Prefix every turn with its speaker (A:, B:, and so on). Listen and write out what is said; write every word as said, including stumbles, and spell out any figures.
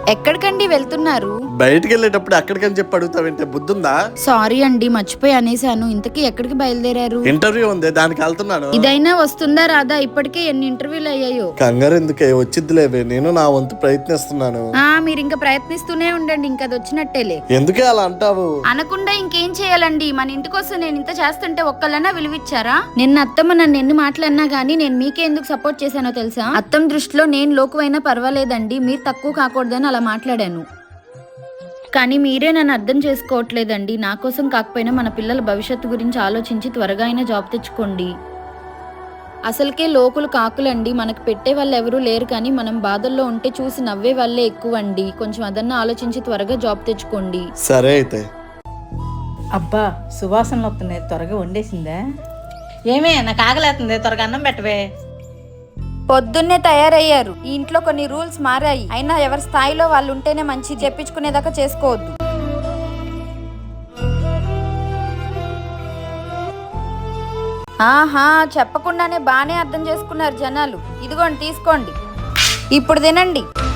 A: ఎక్కడికండి వెళ్తున్నారు?
B: బయటికి వెళ్ళేటప్పుడు అక్కడికని చెప్పి అడుగుతావంటే బుద్ధుందా?
A: సారీ అండి, మర్చిపోయి అనేసాను. ఇంతకీ ఎక్కడికి బయలుదేరారు?
B: ఇంటర్వ్యూ ఉంది, దానికి వెళ్తున్నాను.
A: ఇదైనా వస్తుందా రాదా? ఇప్పటికే ఎన్ని ఇంటర్వ్యూలు అయ్యాయో.
B: కంగారు ఎందుకే, వచ్చిద్దిలేవే, నేను నా వంతు ప్రయత్నిస్తున్నాను.
A: ఆ మీరు ఇంకా ప్రయత్నిస్తూనే ఉండండి, ఇంకా అది వచ్చినట్టేలే.
B: ఎందుకే అలా అంటావు?
A: అనకుండా ఇంకేం చేయాలండి? మన ఇంటి కోసం నేను ఇంత చేస్తుంటే ఒక్కళ్ళన్నా విలువిచ్చారా? నిన్న అత్తమ్మ నన్ను ఎన్ని మాటలన్నా గానీ నేను మీకే ఎందుకు సపోర్ట్ చేశానో తెలుసా? అత్తమ్మ దృష్టిలో నేను లోకువైనా పర్వాలేదండి, మీరు తక్కువ కాకూడదని అలా మాట్లాడాను. కానీ మీరే నన్ను అర్థం చేసుకోవట్లేదండి. నా కోసం కాకపోయినా మన పిల్లల భవిష్యత్తు గురించి ఆలోచించి త్వరగా అయినా జాబ్ తెచ్చుకోండి. అసలుకే లోకులు కాకులండి, మనకు పెట్టే వాళ్ళు ఎవరూ లేరు, కానీ మనం బాధల్లో ఉంటే చూసి నవ్వే వాళ్ళే ఎక్కువ అండి. కొంచెం అదన్నా ఆలోచించి త్వరగా జాబ్ తెచ్చుకోండి.
B: సరే అయితే.
C: అబ్బా సువాసనలు వస్తున్నాయి, త్వరగా వండేసిందా? ఏమే నాకు ఆకలేస్తుంది, త్వరగా అన్నం పెట్టవే.
A: పొద్దున్నే తయారయ్యారు. ఈ ఇంట్లో కొన్ని రూల్స్ మారాయి. అయినా ఎవరి స్థాయిలో వాళ్ళు ఉంటేనే మంచి, చెప్పించుకునేదాకా చేసుకోవద్దు. ఆహా, చెప్పకుండానే బానే అర్థం చేసుకున్నారు జనాలు. ఇదిగోండి తీసుకోండి, ఇప్పుడు తినండి.